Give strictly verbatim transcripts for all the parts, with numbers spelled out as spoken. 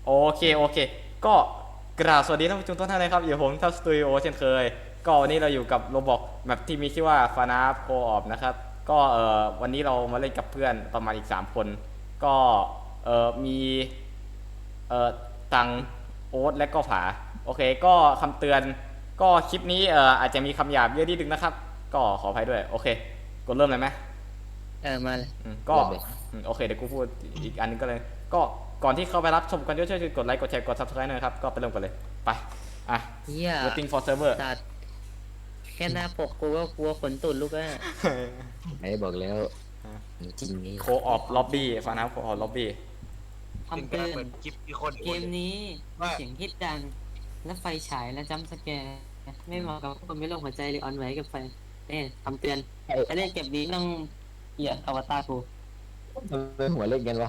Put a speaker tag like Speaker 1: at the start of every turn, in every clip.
Speaker 1: โอเคโอเคก็กราบสวัสดีท่านผู้ชมทุกท่านเลยครับอยู่ผมทัพสตูดิโอเช่นเคยก็วันนี้เราอยู่กับโรบอกแบบที่มีชื่อว่าฟานาฟโคออฟนะครับก็เอ่อวันนี้เรามาเล่นกับเพื่อนประมาณอีกสามคนก็เอ่อมีเอ่อตังโอ๊ตและก็ผาโอเคก็คำเตือนก็คลิปนี้เอ่ออาจจะมีคำหยาบเยอะนิดนึงนะครับก็ขออภัยด้วยโอเคกดเริ่มเลยไหม
Speaker 2: เออมาเลย
Speaker 1: อืมก็
Speaker 2: เริ่มเลย
Speaker 1: อืมโอเคเดี๋ยวกูพูดอีกอันนึงก็เลยก็ก่อนที่เข้าไปรับชมกันช่วยๆกดไลค์กดแชร์กด ซับสไครบ์ หน่อยครับก็ไปเริ่มกันเลยไปอ่ะ
Speaker 2: เฮีย
Speaker 1: waiting for server
Speaker 2: ตัดแค่หน้าปกกูก็กลัวขนตุ่นลูกแล้ว
Speaker 3: ไอ้บอกแล้วจริงนี่
Speaker 1: โคออฟล็อบบี้ฟังนะโคออฟล็อบบี้
Speaker 2: คำเตือน
Speaker 4: เหมือนคลิปมีคน
Speaker 2: เกมนี้มีเสียงฮิตดัง และไฟฉายและจัมป์สแกร์ไม่เหมาะกับคนไม่ลงหัวใจหรือออนไหวกับไฟเนี่ยคำเตือนถ้าเล่นเก็บนี้ต้องเหยียดอวตารกู
Speaker 3: ทำไมหัวเล็กกันวะ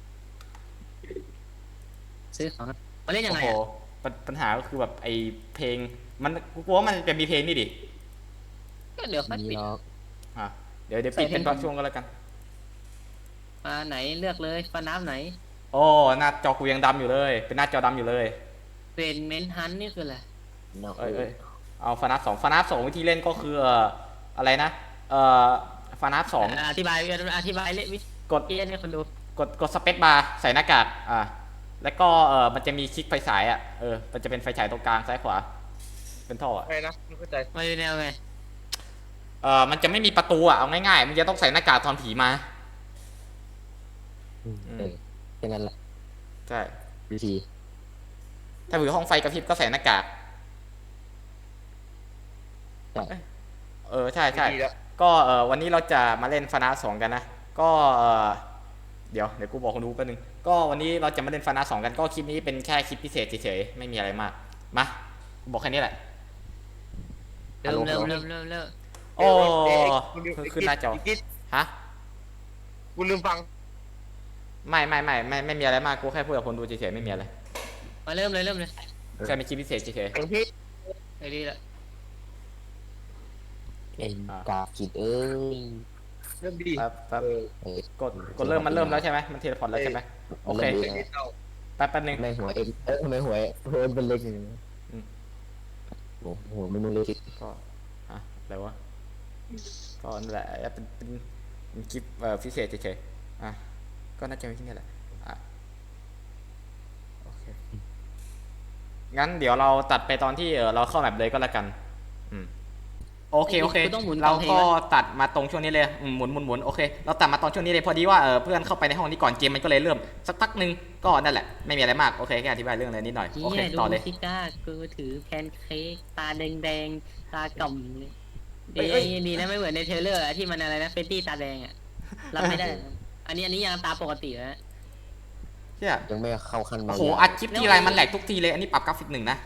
Speaker 2: ซื้อของนะมาเล่นยั
Speaker 1: โอ้
Speaker 2: งไง
Speaker 1: โห
Speaker 2: อ่ะ
Speaker 1: ปัญปัญหาก็คือแบบไอเพลงมันกูกลัวว่ามันจะมีเพลงนี่ดิ
Speaker 2: ก็เดี๋ยวค่อย
Speaker 3: มี
Speaker 2: ปิด
Speaker 3: ล็อก
Speaker 1: อ่ะเดี๋ยวเดี๋ยวปิดเป็นบางช่วงก็แล้วกัน
Speaker 2: มาไหนเลือกเลยฟ้าน้ำไหน
Speaker 1: โอ้หน้าจอกูยังดำอยู่เลยเป็นหน้าจอดำอยู่เลย
Speaker 2: เป็นเมนฮันนี่คืออะไร
Speaker 3: นอก
Speaker 1: เอ้ยเอ้ยเอาฟานัสสองฟานัสสองวิธีเล่นก็คือเอ่ออะไรนะเอ่อฟานัสสอง
Speaker 2: อธิบายอธิบายเล่นวิ
Speaker 1: กด
Speaker 2: ธีเล่นให้คนดู
Speaker 1: กดกดสเปซบาร์ใส่หน้ากากอ่าแล้วก็เออมันจะมีคลิกไฟฉายอ่ะเออมันจะเป็นไฟฉายตรงกลางซ้ายขวาเป็นท่ออ่ะ
Speaker 4: ใครนะไม่เข้าใจ
Speaker 2: มาดูแนวไง
Speaker 1: เออมันจะไม่มีประตูอ่ะเอาง่ายๆมึงจะต้องใส่หน้ากากตอนผีมา
Speaker 3: เออแค่นั้นแหละ
Speaker 1: ใช่
Speaker 3: วิธี
Speaker 1: ถ้าถือห้องไฟกระพริบก็ใส่หน้ากาก
Speaker 3: ใช่
Speaker 1: เออใช่ใช่
Speaker 4: ดีแล้ว
Speaker 1: ก็เออวันนี้เราจะมาเล่นฟานาสองกันนะก็เออเดี๋ยวเดี๋ยวกูบอกคนดูแป๊บนึงก็วันนี้เราจะมาเล่นฟานาสองกันก็คลิปนี้เป็นแค่คลิปพิเศษเฉยๆไม่มีอะไรมากมากูบอกแค่นี้แหละ
Speaker 2: เริ่มเริ่มเริ่มเริ่มเริ่ม
Speaker 1: โอ้
Speaker 4: เอ๊ะ
Speaker 1: ขึ้นหน้าจอ
Speaker 4: อีกนิด
Speaker 1: ฮะ
Speaker 4: กูลืมฟัง
Speaker 1: ไม่ไม่ไม่ไม่ไม่มีอะไรมากกูแค่พูดกับคนดูเฉยๆไม่มีอะไร
Speaker 2: มาเริ่มเลยเริ่มเลย
Speaker 1: แค่เป็นคลิปพิเศษเฉย
Speaker 4: อย่างที่
Speaker 2: ไอ้นี่แหละ
Speaker 3: เอ็นกากิดเอ้ย
Speaker 4: เริ่มดี
Speaker 1: ๆแป๊บแป๊บ
Speaker 4: เออ
Speaker 3: เออก
Speaker 1: ดกดเริ่มมันเริ่มแล้วใช่ไหมมันเทเลพอร์ตแล้วใช่ไหมโอเค
Speaker 4: เรื่องนี้เศร้า
Speaker 1: แป๊บแป๊บนึง
Speaker 3: ทำไมหัวเอ็มเอ้ยทำไมหัวหัวเอ็มเป็นเล็กอย่างนี้
Speaker 1: อืม
Speaker 3: โอ้โหไม่มึงเล็ก
Speaker 1: ก็อะอะไรวะก็นั่นแหละเป็นเป็นเป็นคลิปเอ่อพิเศษเฉยๆอ่ะก็น่าจะมีที่นี่แหละอ่ะโอเคงั้นเดี๋ยวเราตัดไปตอนที่เออเราเข้าแมปเลยก็แล้วกันอืมโอเคโอเคเราก็ตัดมาตรงช่วงนี้เลยอืมหมุนหมุนหมุนโอเคเราตัดมาตอนช่วงนี้เลยพอดีว่าเออเพื่อนเข้าไปในห้องนี้ก่อนเกมมันก็เลยเริ่มสักพักหนึ่งก็นั่นแหละไม่มีอะไรมากโอเคแค่อธิบายเรื่องอะไรนิดหน่อยโอเค
Speaker 2: นี่ดู
Speaker 1: ต่อเลย
Speaker 2: ซิก้ากูถือแพนเค้กตาแดงแดงตากล่อมเลย
Speaker 1: เอ้
Speaker 2: ดี
Speaker 1: ยเอ้ย
Speaker 2: ดีนะไม่เหมือนในเทรลเลอร์อะที่มันอะไรนะเฟตตี้ตาแดงอ่ะรับไม่ได้ อันนี้อันนี้ยังตาปกติแล้ว
Speaker 1: เชี่ย
Speaker 3: ยังไม่เข้าขั้น
Speaker 1: โอ้
Speaker 3: บาง
Speaker 1: โหอัดคลิปทีไรมันแหลกทุกทีเลยอันนี้ปรับกราฟิกหนึ่งนะ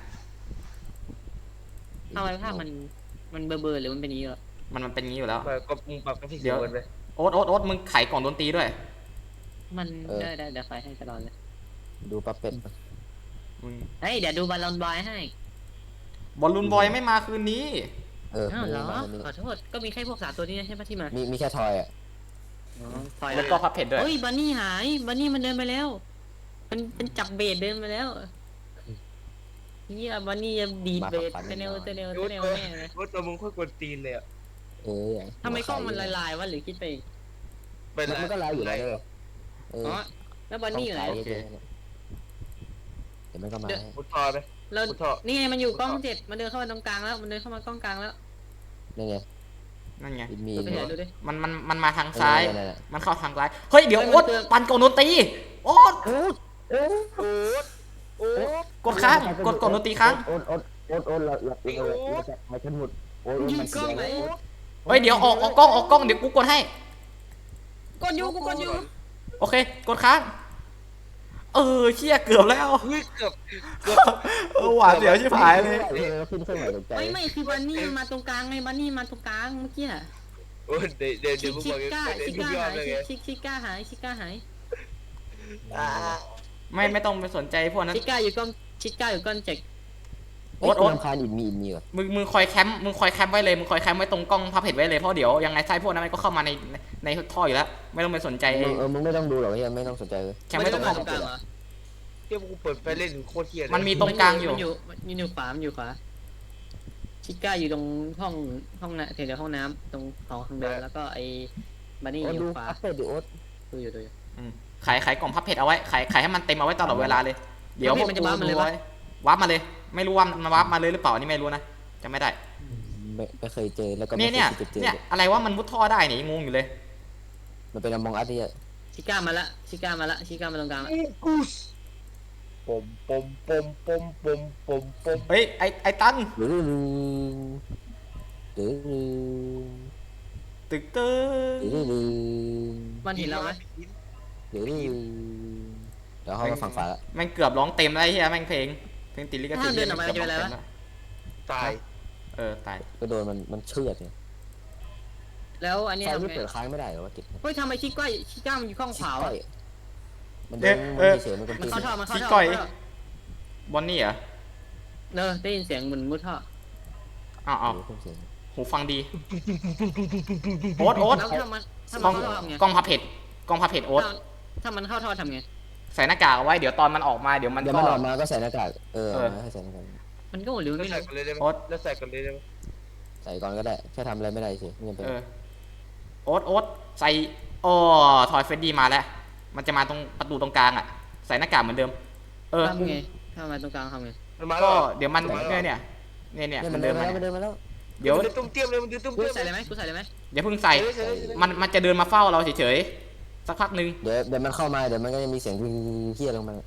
Speaker 2: ทำไมภาพมันมันเบลอๆหรือมันเป็นอย่างนี้เหรอ
Speaker 1: มันมันเป็นงี้อยู่แล้ว
Speaker 4: เปิดก็มึงปรับกราฟิก
Speaker 1: เดี๋ยว
Speaker 4: เกินไป
Speaker 1: โอ๊ตโอ๊ตโอ๊ตมึงไขกล่องดนตรีด้วย
Speaker 2: มันได้ได้เดี๋ยวไฟให้ตลอดเลย
Speaker 3: ดูปั๊บเป็ด
Speaker 1: มึง
Speaker 2: เฮ้ยเดี๋ยวดูบอลลอนบอยให้
Speaker 1: บอลลูนบอยไม่มาคืนนี้
Speaker 3: เออ
Speaker 2: อ้าว
Speaker 3: ไม่
Speaker 2: เหร
Speaker 3: ได้
Speaker 2: อ
Speaker 3: มาไม่
Speaker 2: ขอโทษก็มีแค่พวกสามตัวนี้ใช่ไหมที่มา
Speaker 3: มีมีแค่ทอยอ่ะ
Speaker 2: อ๋อถอย
Speaker 1: แล้วก็พับเพจด้วย
Speaker 2: เฮ้ยบันนี่หายบันนี่มันเดินไปแล้ว มันเป็นจับเบสเดินไปแล้วนี่บันนี่จะดีดเบสเตเนลเตเนลเต
Speaker 4: รู้
Speaker 2: เนล
Speaker 4: ตัว
Speaker 2: แน่เลย
Speaker 4: รู้ตัวมึงโคตรกวนตีนเลยอ่ะ
Speaker 3: เออ
Speaker 2: ทำไมกล้องมันลายๆวะหรือคิดไปเอง
Speaker 4: เป็น
Speaker 3: มัน
Speaker 4: ไร
Speaker 3: มันก็ไลฟ์อยู่แล้วเลยเออ
Speaker 2: อ๋อแล้วบันนี่อยู่ไหน
Speaker 3: โอเคเดี๋ยวมันก็มา
Speaker 4: มุดทอไป
Speaker 2: เรา
Speaker 4: มุดทอ
Speaker 2: นี่ไงมันอยู่กล้องเจ็ดมันเดินเข้ามาตรงกลางแล้วมันเดินเข้ามากล้องกลางแล้ว
Speaker 3: นี่ไง
Speaker 1: นั่นไง
Speaker 3: มี
Speaker 2: ดูไปเห็นดูดิ
Speaker 1: มันมันมันมาทางซ้าย
Speaker 3: นั่นแหละ
Speaker 1: มันเข้าทางซ้าย เฮ้ยเดี๋ยว
Speaker 2: เฮ้ย
Speaker 1: โอ๊ต
Speaker 2: มันเตือน
Speaker 1: ปั่นกล่องดนตรีโอ๊ต
Speaker 3: โอ๊ตโอ๊ต
Speaker 4: โอ๊ตโอ๊ต
Speaker 1: กดค้างกดกล่องดนตรีค้าง
Speaker 3: โอ๊ตโอ๊ตโอ๊ตโอ๊ตเราเราเราเราจะมาขึ้นหมดโอ๊ต
Speaker 2: ยิง
Speaker 3: มัน
Speaker 2: กล้องไหน
Speaker 1: เฮ้ยเดี๋ยวออกออกกล้องออกกล้องเดี๋ยวกูกดให้
Speaker 2: กดอยู่กูกดอยู่
Speaker 1: โอเค กดค้าง เออเชี่ยเกือบแล้ว
Speaker 4: เฮ้ยเกือบเกือบ
Speaker 1: เออหวานเสียวชิบหายเลย
Speaker 3: ขึ้นเครื่องหมายตกใจ
Speaker 2: ไม่ไม่คือบันนี่มันมาตรงกลางไงบันนี่มาตรงกลางเมื่อกี้อะ
Speaker 4: โอ้ยเดี๋ยวเดี๋ยว
Speaker 2: ชิ
Speaker 4: เดี๋ยวมึง
Speaker 2: ชิ
Speaker 4: บอก
Speaker 2: ก้า
Speaker 4: เดี๋ยว
Speaker 2: ชิ
Speaker 4: มึง
Speaker 2: ก้าย
Speaker 4: อม
Speaker 2: หาย
Speaker 4: เลยไง
Speaker 2: ชิชิก้าหายชิก้าหาย
Speaker 4: อ่า
Speaker 1: ไม่ไม่ต้องไปสนใจพวกนั้น
Speaker 2: ชิก้าอยู่กล้องชิก้าอยู่กล้องเจ็ก
Speaker 3: โอ๊ตโอ๊ตคานอินมีอินมีเหรอ
Speaker 1: มึงมึงคอยแคมป์มึงคอยแคมป์ไว้เลยมึงคอยแคมป์ไว้ตรงกล้องพับเพจไว้เลยเพราะเดี๋ยวยังไงไส้พวกนั้นมันก็เข้ามาในในในท่ออยู่แล้วไม่ต้องไปสนใจ
Speaker 3: มึงเออมึงไม่ต้องดูหรอกเฮียไม่ต้องสนใจเลย
Speaker 1: แคมป์ไว้ตรงห้อง
Speaker 2: ตรงกลางเหรอ
Speaker 4: เที่ยวกูเปิดไฟเล่นโคตรเที่ยเลย
Speaker 1: มันมีตรงกลางอยู่
Speaker 2: มันอยู่มันอยู่ขวามันอยู่ขวาชิก้าอยู่ตรงห้องห้องน้ำแถวๆห้องน้ำตรงหอทางเดินแล้วก็ไอ้บันนี่
Speaker 3: โอ๊ต
Speaker 2: อ
Speaker 3: ดู
Speaker 2: ยู่ขวา
Speaker 3: อัปเดตดิโอ๊ต
Speaker 2: ดูอยู่ดูอยู่
Speaker 1: อืมขายขายกล่องพับเพชรเอาไว้ขายขายให้มันเต็มเอาไว้ตลอดเวลาเลยเดี๋ยวพวก
Speaker 2: มัน
Speaker 1: กู
Speaker 2: จะวาร์ปมาเลย
Speaker 1: ดู
Speaker 2: ปะ
Speaker 1: ไว้วาร์ปมาเลย ไม่รู้ว่ามันวาร์ปมาเลยหรือเปล่าอันนี่ไม่รู้นะจำไม่ได้
Speaker 3: ไม่ไม่เคยเจอแล้วก็
Speaker 1: เนี่
Speaker 3: ไม่
Speaker 1: ย
Speaker 3: เค
Speaker 1: เนี่ย
Speaker 3: ยคิดจะเจอ
Speaker 1: เนี่ยอะไรว่ามันมุดท่อได้เนี่ยยังงงอยู่เลย
Speaker 3: มันเป็นอมองอัดที่
Speaker 2: ชิก้ามาละชิก้ามาละชิก้ามาตรงกลางละ
Speaker 4: กูสปมปมปมปมปมปมปม
Speaker 1: เฮ้ยไอไอตัน
Speaker 3: หรือหรือหรือ
Speaker 1: ตึกตึก
Speaker 3: หรือหรือ
Speaker 2: มันเห็นเราไหม
Speaker 3: หรือเดี๋ยวเขามาฝั่งฝาละ
Speaker 1: แม่งเกือบร้องเต็มแล้วไอ้เฮียแม่งเพลงเพลงติดลิขสิทธิ์
Speaker 2: ถ้าเดินออกมา
Speaker 1: กืบ
Speaker 2: จะเป็นอะไร
Speaker 1: ง
Speaker 2: วะ
Speaker 1: ต็มแล้ว
Speaker 4: ตาย
Speaker 1: เออตาย
Speaker 3: ก็โดนมันมันเชือดเนี่ย
Speaker 2: แล้วอันนี้
Speaker 3: ไฟ
Speaker 2: ทำ
Speaker 3: ไม่
Speaker 2: ไง
Speaker 3: เปิดค้างไม่ได้เหรอวะกิจ
Speaker 2: เฮ้ยทำไมชิก้าชิก้ามันอยู่ข้างขวาวะ
Speaker 3: มันเดินมันเฉยมันก็
Speaker 2: มัน
Speaker 3: ตี
Speaker 2: เข้าท่อมันเข้า
Speaker 1: ชิ
Speaker 2: ท่อ
Speaker 1: ก้อย
Speaker 2: เข้าท่อบ
Speaker 1: อนนี่เหรอ
Speaker 2: เนอะได้ยินเสียงเหมือนมุดท่อ
Speaker 1: อ้าวอ้าว
Speaker 3: เสียง
Speaker 1: หูฟังดีโอ๊ตโอ๊ต
Speaker 2: แล้วถ้ามันถ้าก
Speaker 1: ล้
Speaker 2: มั
Speaker 1: อน ง
Speaker 2: เข้าท่อทำไง
Speaker 1: กล้องพับเพชรกล้องพับเพชรโอ๊ต
Speaker 2: ถ้าถ้ามันเข้าท่อทำไง
Speaker 1: ใส่หน้ากากเอาไว้เดี๋ยวตอนมันออกมาเดี๋ยวมัน
Speaker 3: เดี๋ยว
Speaker 1: ก็
Speaker 3: มันออกมาก็ใส่หน้ากากเออให้ใส่หน้ากาก
Speaker 2: มันก็หมดหรือ
Speaker 4: แล้ว
Speaker 2: ไม่
Speaker 4: ใส่
Speaker 2: รู้
Speaker 4: กันเลยได้ไหม
Speaker 1: โอ๊ต
Speaker 4: แล้วใส่กันเลยได้ไหม
Speaker 3: ใส่ก่อนก็ได้แค่ทำอะไรไม่ได้เฉยไม่จำเป็น
Speaker 1: เออโอ๊ตโอ๊ตใส่อ๋อทอยเฟดดี้มาแล้ว มันจะมาตรงประตูตรงกลางอ่ะ ใส่หน้ากากเหมือนเดิม เออ
Speaker 2: ทำไงทำไมตรงกลางทำไง
Speaker 4: มันมา
Speaker 1: ก็
Speaker 4: แล้ว
Speaker 1: เดี๋ยวมันเนี่ยเนี่ยเนี่ยเนี่ย
Speaker 3: เนี่ย
Speaker 1: มั
Speaker 3: มัน
Speaker 1: น
Speaker 3: เดิ
Speaker 1: เดิ
Speaker 3: น
Speaker 1: น
Speaker 3: มา
Speaker 1: มา
Speaker 3: แล้วมันเดินมาแล้ว
Speaker 1: เดี๋ยว
Speaker 4: มันจะตุ้มเตี้ยมเลยมันจะตุ้ม
Speaker 2: กู
Speaker 4: เตี้ยม
Speaker 2: ใส่เลยไหมกูใส่เลยไหม
Speaker 1: อย่าเพิ่งใส่
Speaker 4: ใส่เลยใส่เลย
Speaker 1: มันมันจะเดินมาเฝ้าเราเฉยๆ สักพักหนึ่ง
Speaker 3: เดี๋ยวเดี๋ยวมันเข้ามาเดี๋ยวมันก็จะมีเสียงเฮี้ยลงมา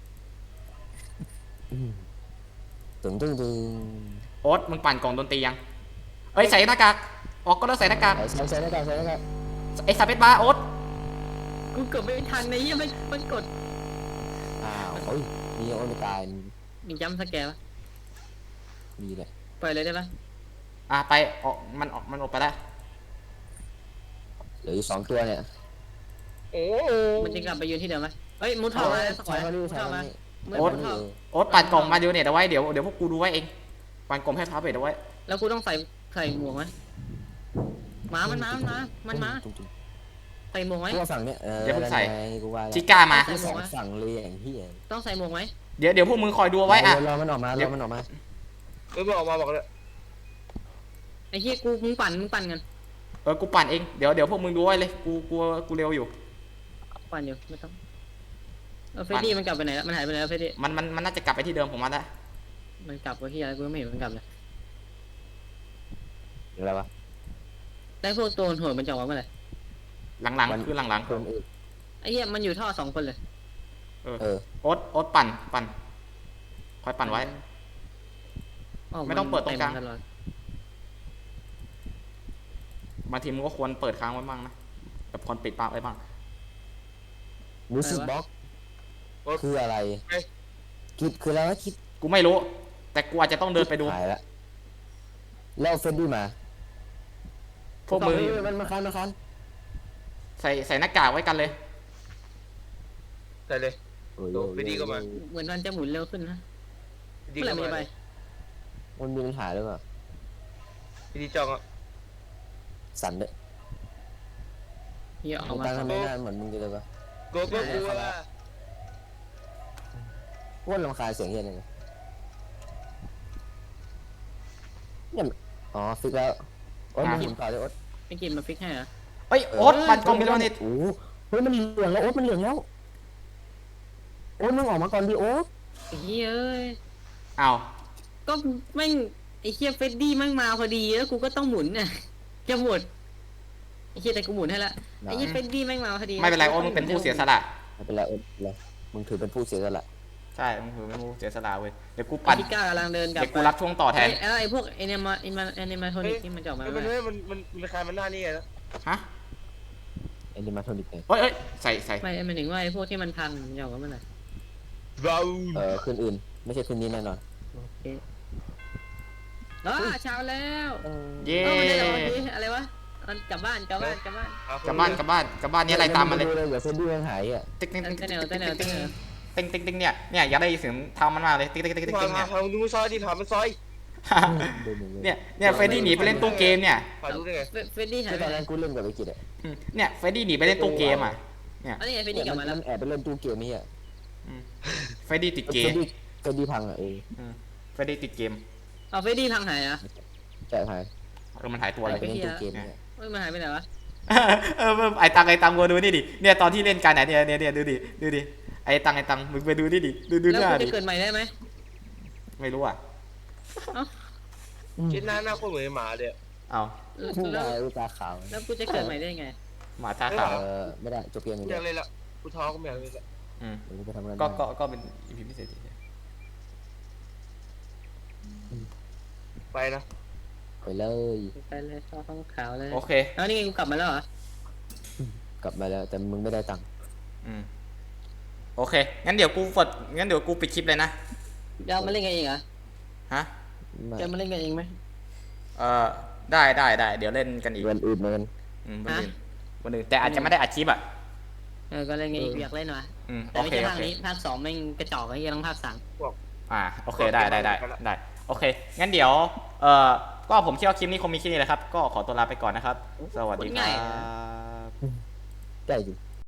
Speaker 3: ตึงตึงตึง
Speaker 1: โอ๊ตมึงปั่นกล่องดนตรียัง เอ้ยใส่หน้ากาก ออกก็ต้องใส่หน้ากาก
Speaker 3: ใส่ใส่หน้ากากใส่หน้ากาก
Speaker 1: ไอ้สเปซบาร์โอ๊ต
Speaker 2: กูเกือบไม่ทันในยี่มันมันกด
Speaker 3: อ้าวเฮ้ยมีโอมิตาย
Speaker 2: มีจัมป์สแกร์ปะ
Speaker 3: มีเลย
Speaker 2: ปล่อยเลยได้ปะ
Speaker 1: อ่ะไปออกมันออกมันออกไปแล้ว
Speaker 3: เหลืออยู่สองตัวเนี่ย
Speaker 4: โอ้
Speaker 2: มันจะกลับไปยืนที่เดิมไหมเฮ้ยมุดท่อมาแล้วสักหน่
Speaker 3: ใช้
Speaker 2: อย
Speaker 3: เขาดิ
Speaker 2: มุด
Speaker 3: ใช้
Speaker 2: ท่อ
Speaker 3: เขา
Speaker 2: มา
Speaker 3: ดิ
Speaker 2: มุด
Speaker 1: โอ๊ต
Speaker 2: ท่อ
Speaker 1: โอ๊ตปั่นกล่องมาดูเนี่ยเอาไว้เดี๋ยวเดี๋ยวพวกกูดูไว้เอง ปั่นกล่องให้พาเบดเอาไว้
Speaker 2: แล้วกูต้องใส่ใส่หมวกไหมหมามันมามันมามันมาใส่หมวกไหม
Speaker 3: กูว่าฝั่งเนี้ยเออ
Speaker 1: เดี๋ยวเพิ่งใส่
Speaker 3: กูว่า
Speaker 1: ชิก้ามา
Speaker 3: กูสองฝั่งเลยอย่างเฮี้ย
Speaker 2: ต้องใส่หมวกไหม
Speaker 1: เดี๋ยวเดี๋ยวพวกมึงคอยดูเอาไว้อ่ะ
Speaker 3: รอมันออกมารอมันออกมา
Speaker 4: เออมันออกมาบอกเลย
Speaker 2: ไอ้เหี้ยกูมึงปั่นมึงปั่นกัน
Speaker 1: เออ กูปั่นเอง เดี๋ยวเดี๋ยวพวกมึงดูไว้เลย กูกูกูเร็วอยู่
Speaker 2: ปั่นอยู่ไม่ต้องเออเฟรดดี้มันกลับไปไหนแล้วมันหายไปไหนแล้วเฟรดดี้
Speaker 1: มันมันมันน่าจะกลับไปที่เดิมของมันแล้ว
Speaker 2: มันกลับไปที่อะไรกูไม่เห็นมันกลับเลย
Speaker 3: อะไรวะ
Speaker 2: ได้พวกตัวโหดมันจะออกมาเมื่อไหร่
Speaker 1: หลังๆคือหลัง
Speaker 3: คนอื่น
Speaker 2: ไอ้เหี้ยมันอยู่ท่อสองคนเลย
Speaker 1: ๆเออ
Speaker 3: เออ
Speaker 1: โอ๊ตโอ๊ตปั่นปั่นคอยปั่นไว้
Speaker 2: อ้าว
Speaker 1: ไม่ต้องเปิดตรงกลาง
Speaker 2: เต็มตลอด
Speaker 1: บางทีมึงก็ควรเปิดค้างไว้บ้างนะแบบควรปิดปากไว้บ้าง
Speaker 3: มิวสิกบ็อกคืออะไรคิดคืออะไรวะคิด
Speaker 1: กูไม่รู้ แต่กูอาจจะต้องเดินไปดู
Speaker 3: หายละแล้วเฟรดดี้มา
Speaker 1: พวกมึง
Speaker 3: เฮ้ยมันมาคันมาคัน
Speaker 1: ใส่ใส่หน้ากากไว้กันเลย
Speaker 4: ใส่เลย
Speaker 3: โอ้ย
Speaker 4: โดนไปดีก็มา
Speaker 2: เหมือนมันจะหมุนเร็วขึ้นนะ
Speaker 4: ดี
Speaker 2: เมื่อไหร่
Speaker 4: ก็
Speaker 2: มัน
Speaker 4: มา
Speaker 2: จะไป
Speaker 3: มันมีปัญหาหรือเปล่า
Speaker 4: พี่ดีจองอ่ะ
Speaker 3: สั่นด้วย
Speaker 2: เหี้ยออก
Speaker 3: มึง
Speaker 2: มา
Speaker 3: ตั้งทำไมหน้าเหมือนมึงจะเลยวะ
Speaker 4: โกโก้กูว่า
Speaker 3: โคตรรำคาญเสียงเฮียเลยเนี่ยอ๋อฟิกแล้วโอ๊ตมึงหมุนต่อเลยโอ๊ต
Speaker 2: ไม่กินมาฟิกให้เหรอ
Speaker 1: เอ้ยโอ๊ตปั่นกล่องไปแล้วนี่
Speaker 3: โอ้เฮ้ยมันเหลืองแล้วโอ๊ตมันเหลืองแล้วโอ๊ตมึงออกมาก่อนดิโอ๊ต
Speaker 2: ไอ้เหี้ยเอ้ย
Speaker 1: อ้าว
Speaker 2: ก็แม่งไอ้เหี้ยเฟรดดี้แม่งมาพอดีแล้วกูก็ต้องหมุนน่ะจะหมุนไอ้เหี้ยแต่กูหมุนให้ละไอ้เหี้ยเฟรดดี้แม่งมาพอดี
Speaker 1: ไม่เป็นไรโอ๊ตมึงเป็นผู้เสียสละ
Speaker 3: ไม่เป็นไรโอ๊ตไม่เป็นไรมึงถือเป็นผู้เสียสละ
Speaker 1: ใช่มึงถือเป็นผู้เสียสละเว้ยเดี๋ยวกู
Speaker 2: ปั
Speaker 1: ปั่
Speaker 2: น
Speaker 1: น
Speaker 2: พิก้ากำลังเดินกลับ
Speaker 1: เดี๋ยวกูรับช่วงต่อแทน
Speaker 2: ไอ้ไอ้พวกไอ้เนมาไอ้มาไอ้เนมาโทนิกนี่มันจะออกมา
Speaker 4: เฮ้ย
Speaker 2: เมื่
Speaker 4: มัน
Speaker 2: อไหร่
Speaker 4: เฮ้ยมันมันมันคลายมันหน้านี่ไงนะ
Speaker 1: ฮะ
Speaker 3: เอ็นดิมาโทนิกเลย
Speaker 1: เอ้ยเอ้ยใส่ใส่
Speaker 2: ไม่หมายถึงว่าไอ้พวกที่มันพังมันจะออกมาเมื่อไหร่
Speaker 4: เรา
Speaker 3: เออคืนอื่น ไม่ใช่คืนนี้แน่นอน
Speaker 2: โอเคอ๋อเช้าแล้ว
Speaker 1: เย้
Speaker 2: เออมันได้แต่วันนี้อะไรวะมันกลับบ้านกลับบ้านกลับบ้าน
Speaker 1: กลับบ้านกลับบ้านกลับบ้านนี่อะไรตามมาเลย
Speaker 3: เดี๋ยวเฟนดี้มันหายอ่ะ
Speaker 1: ติ๊กติ๊กติ๊ก
Speaker 2: เต้น
Speaker 1: ติ๊ก
Speaker 2: แนวเต้นแนวเต้นแนว
Speaker 1: ติ๊กติ๊กติ๊กเนี่ยเนี่ยอยากได้ยินเสียงเท้ามันมากเลยติ๊กติ๊กติ๊กติ๊ก
Speaker 4: มา
Speaker 1: ติ๊ก
Speaker 4: มา
Speaker 1: เนี่ย
Speaker 4: พาดูซอยดิถามมันซอย
Speaker 1: เนี่ยเนี่ยเฟรดดี้หนีไปเล่นตู้เกมเนี่ย
Speaker 4: พาดูได้ไง
Speaker 2: เฟรดดี้หาย
Speaker 3: ที่
Speaker 2: ไป
Speaker 3: ตอน
Speaker 2: ไหน
Speaker 3: นั้นกูเล่นกับไอ้กิจอ่ะ
Speaker 1: อืมเนี่ยเฟรดดี้หนีไปเล่นตู้เกมอ่ะเนี่ย
Speaker 2: อันนี้ไงเฟรดดี้กลับมาแล้ว
Speaker 3: นแอบไปเล่นตู้เกมนี่อ่ะ
Speaker 1: อืมเฟรดี้ติดเก
Speaker 3: เฟ
Speaker 1: ม
Speaker 3: ดดี้เฟดดี้พังอ่ะเออ
Speaker 1: อืมเฟดดี้ติดเกม
Speaker 2: เอาเฟรดดี้พังหายอ่ะ
Speaker 3: ใช่หาย
Speaker 1: เออมันหายตัวอะไร
Speaker 3: ไปเล่นตัวเกมเนี่ย
Speaker 2: เฮ้ยมันหายไปไหนวะ
Speaker 1: เออไอตังไอตังมาดูนี่ดิเนี่ยตอนที่เล่นกันเนี่ยเนี่ยเนี่ยดูดิดูดิไอตังไอตังมึงไปดูนี่ดิดูดู
Speaker 2: แล้ว
Speaker 1: หน้า
Speaker 2: กู
Speaker 1: ดิ
Speaker 2: จะเกิดใหม่ได้ไหม
Speaker 1: ไม่รู้อ่ะ
Speaker 4: ชิ้นหน้าหน้าคนเหมือนหมาเลย
Speaker 1: เอา
Speaker 3: ได้
Speaker 2: แล้ว
Speaker 3: ลูกตาขาว
Speaker 2: แล้วกูจะเกิดใหม่ได้ไง
Speaker 1: หมาตาขาว
Speaker 3: เออไม่ได้จบเกม
Speaker 4: กู
Speaker 3: นี้
Speaker 4: อ
Speaker 3: เดี
Speaker 4: ยาย กเล่นละกูท้อกูไม่อยากเล่นละ
Speaker 1: อืม
Speaker 3: เดี๋ยวกูไปทำงาน
Speaker 1: ก็
Speaker 3: ได้
Speaker 1: ก็ก็เป็นอีพีพิเศษดิ
Speaker 4: ไปนะ
Speaker 3: ไปเลย
Speaker 2: ไปเลยเข้าห้องขาวเลย
Speaker 1: โอเค
Speaker 2: แล้วนี่ไงกูกลับมาแล้วเหรอก
Speaker 3: ลับมาแล้วแต่มึงไม่ได้ตังค์
Speaker 1: อืมโอเคงั้นเดี๋ยวกูฟดงั้นเดี๋ยวกูปิดคลิปเลยนะ
Speaker 2: จะเอามาเล่นกันเองเหรอ
Speaker 1: ฮะ
Speaker 3: ไม่
Speaker 2: จะมาเล่นกันเองไหม
Speaker 1: เออได้ได้ได้เดี๋ยวเล่นกันอีก
Speaker 3: วันอื่นเหมือนกัน
Speaker 1: อืมวันอื่น
Speaker 2: ฮะ
Speaker 1: วันอื่นแต่อาจจะไม่ได้อัดคลิปอ่ะ
Speaker 2: เออก็เล่นกันอีกอยากเล่นวะ
Speaker 1: อืม
Speaker 2: แต่
Speaker 1: โอ
Speaker 2: ไม่
Speaker 1: เค
Speaker 2: ใช่
Speaker 1: โอ
Speaker 2: ภาค
Speaker 1: เค
Speaker 2: นี้ภาคสองแม่งกระจอกไอ้เหี้ยต้องภาคสาม
Speaker 1: อ่าโอเคได้ได้ได้ได้โอเคงั้นเดี๋ยวเอ่อก็ผมคิดว่าคลิปนี้คงมีแค่นี้แหละครับ ก็ขอตัวลาไปก่อนนะครับ สวัสดีครับ
Speaker 3: ได้อยู่